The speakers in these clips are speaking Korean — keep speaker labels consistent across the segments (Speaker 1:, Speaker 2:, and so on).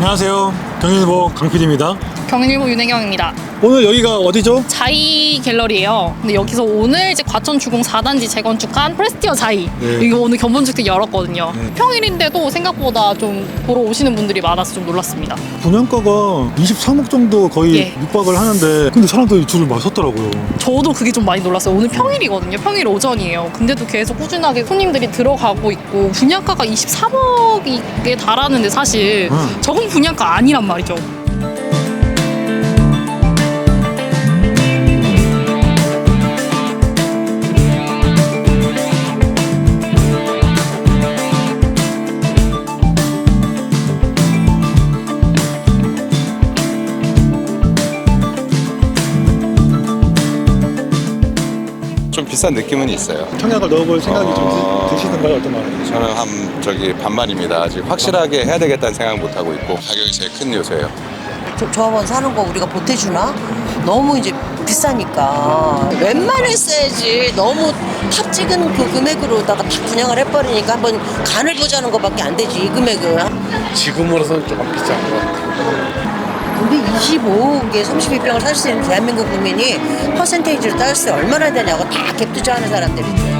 Speaker 1: 안녕하세요. 경일보 강PD입니다.
Speaker 2: 경일보 윤혜경입니다.
Speaker 1: 오늘 여기가 어디죠?
Speaker 2: 자이 갤러리예요. 근데 여기서 오늘 이제 과천 주공 4단지 재건축한 프레스티어 자이.
Speaker 1: 네.
Speaker 2: 이거 오늘 견본주택 열었거든요.
Speaker 1: 네.
Speaker 2: 평일인데도 생각보다 좀 보러 오시는 분들이 많아서 좀 놀랐습니다.
Speaker 1: 분양가가 23억 정도 거의
Speaker 2: 예.
Speaker 1: 육박을 하는데 근데 사람들이 줄을 막 섰더라고요.
Speaker 2: 저도 그게 좀 많이 놀랐어요. 오늘 평일이거든요. 평일 오전이에요. 근데도 계속 꾸준하게 손님들이 들어가고 있고 분양가가 23억에 달하는데 사실 적은 분양가 아니란 말이죠.
Speaker 3: 좀 비싼 느낌은 있어요.
Speaker 1: 청약을 넣어볼 생각이 좀 드시던가요? 어떤 말이에요?
Speaker 3: 저는 반반입니다. 아직 확실하게 해야 되겠다는 생각 못 하고 있고 가격이 제일 큰 요소예요.
Speaker 4: 조합원 사는 거 우리가 보태주나? 너무 이제 비싸니까 웬만했어야지. 너무 탑 찍은 그 금액으로다가 다 분양을 해버리니까 한번 간을 보자는 것밖에 안 되지 이 금액은.
Speaker 5: 지금으로서는 조금 비싼 것 같아요.
Speaker 4: 근데 25억에 32평을 살 수 있는 대한민국 국민이 퍼센테이지로 따졌을 때 얼마나 되냐고 다 갭 투자하는 사람들이죠.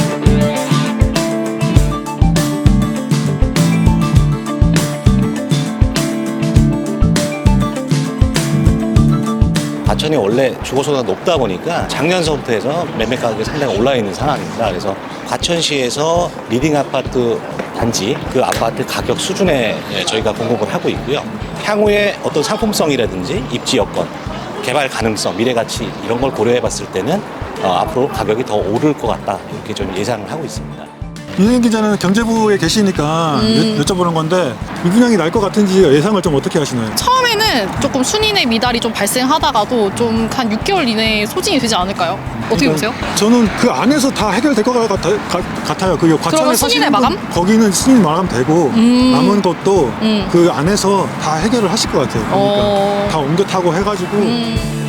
Speaker 6: 과천이 원래 주거소득가 높다 보니까 작년서부터 해서 매매 가격이 상당히 올라 있는 상황입니다. 그래서 과천시에서 리딩 아파트 단지 그 아파트 가격 수준에 저희가 공급을 하고 있고요. 향후에 어떤 상품성이라든지 입지 여건, 개발 가능성, 미래 가치 이런 걸 고려해 봤을 때는 앞으로 가격이 더 오를 것 같다 이렇게 좀 예상을 하고 있습니다.
Speaker 1: 윤혜 기자는 경제부에 계시니까 여쭤보는 건데 미분양이 날 것 같은지 예상을 좀 어떻게 하시나요?
Speaker 2: 처음에는 조금 순인의 미달이 좀 발생하다가도 좀 한 6개월 이내에 소진이 되지 않을까요? 어떻게 보세요?
Speaker 1: 저는 그 안에서 다 해결될 것 같아요. 그 과천에
Speaker 2: 순인의
Speaker 1: 사시는
Speaker 2: 마감?
Speaker 1: 거기는 순인 마감 되고 남은 것도 그 안에서 다 해결을 하실 것 같아요. 그러니까 다 옮겨 타고 해가지고